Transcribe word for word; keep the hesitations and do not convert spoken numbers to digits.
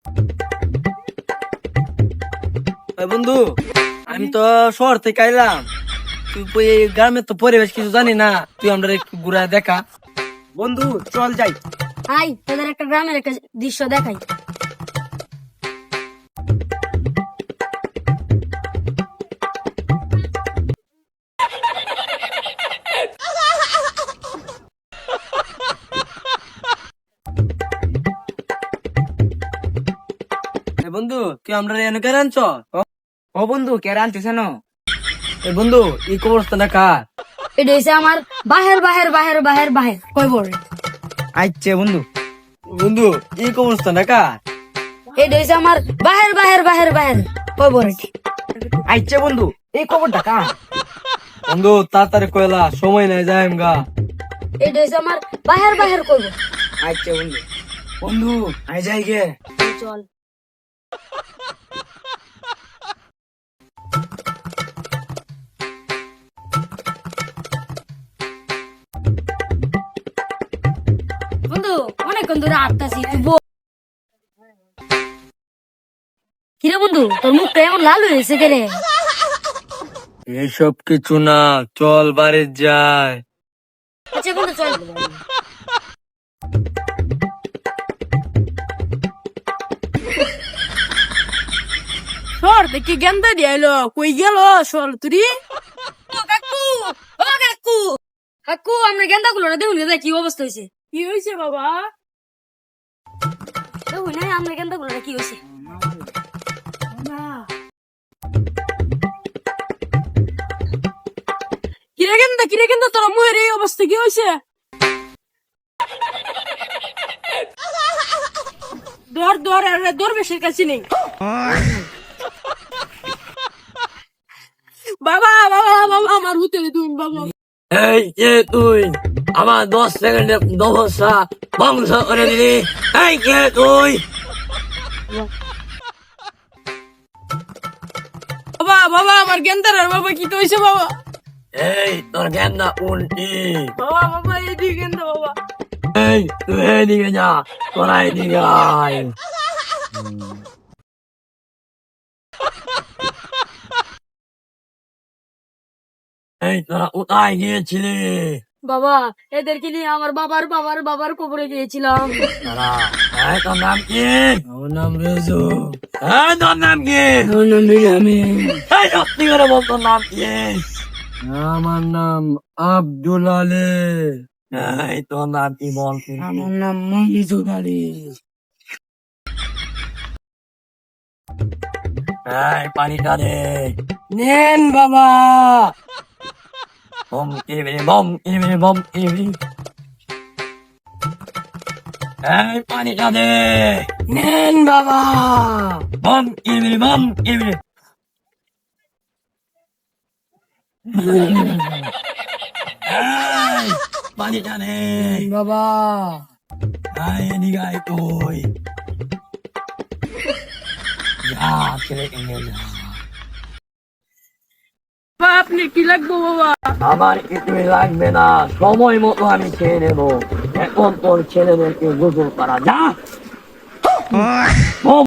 বন্ধু আমি তো শহর থেকে আইলাম, তুই গ্রামের তো পরিবেশ কিছু জানি না, তুই আমরা একটু ঘুরা দেখা। বন্ধু চল যাই। আই তোদের একটা গ্রামের একটা দৃশ্য দেখাই। বন্ধু তুই আমরা এনে কেন আনছ? ও বন্ধু কে আনছিস না? বন্ধু এই কবরস্থানটা কার? এটা হচ্ছে আমার বাহের বাহের বাহের বাহের বাহের কই বড়। আইছে বন্ধু। বন্ধু এই কবরস্থানটা কার? এটা হচ্ছে আমার বাহের বাহের বাহের বাহের কই বড়। আইছে বন্ধু এই খবরটা কার? বন্ধু তাড়াতাড়ি কয়লা, সময় নাই, যাই গা। এটা হচ্ছে আমার বাহের বাহের কই বড়। আইছে বন্ধু। বন্ধু আই যাই গে। চল বন্ধু অনেকক্ষণ ধরে আটতাছি। কিরে বন্ধু তোর মুখটা এমন লাল হয়েছে কে রে? এইসব কিছু না, চল বাড়ি যাই। আচ্ছা বন্ধু চল। সর দেখি গেন্দা দিয়ে এলো, কই গেল সর তুই? কাকু ও কাকু কাকু আমরা গেন্দা গুলো না দেখুন কি অবস্থা হয়েছে। কি হয়েছে বাবা? দেখুন না আমরা গেন্দা গুলো কি হয়েছে। কিরে গেন্দা কিরে গেন্দা তোর মুহের এই অবস্থা কি হয়েছে? দর দর আরে দর বেশির কাছে নেই। বাবা বাবা বাবা আমার হুতে তুমি বাবা। এই কে তুই? আমার দশ সেকেন্ডে দশা বংশ করে দিলি। এই কে তুই? বাবা বাবা আমার গেন্দার আর বাবা কি হয়েছে বাবা? এই তোর গেন্দা উল্টি। বাবা বাবা এদিকে গেন্দা বাবা। এই তুই এদিকে যা, তোরা এদিকে আয়। এই তোরা কোথায় গিয়েছিলি? বাবা এদেরকে নিয়ে আমার বাবার বাবার বাবার কবরে গিয়েছিলাম। তারা এই তোর নাম কি? আমার নাম রেজু। এই তোর নাম কি? আমার নাম বিয়ামিন। এই সত্যি করে বল তোর নাম কি? আমার নাম আব্দুল আলী। এই তোর নাম কি বল? আমার নাম মহিজুর আলী। এই পানিটা দে। নেন বাবা। বম কিরিবিরি বম কিরিবিরি বম কিরিবিরি। এই পানিটা দে। নেন বাবা। বম কিরিবিরি বম কিরিবিরি। এই পানিটা নে বাবা। এই এদিকে আয় তুই। যা ছেলে এনে যা। বাবা আপনি কি লাগবো বাবা? আমার কিছুই লাগবে না, সময় মতো আমি খেয়ে নেবো। এখন তোর ছেলেদেরকে গোসল করা যা।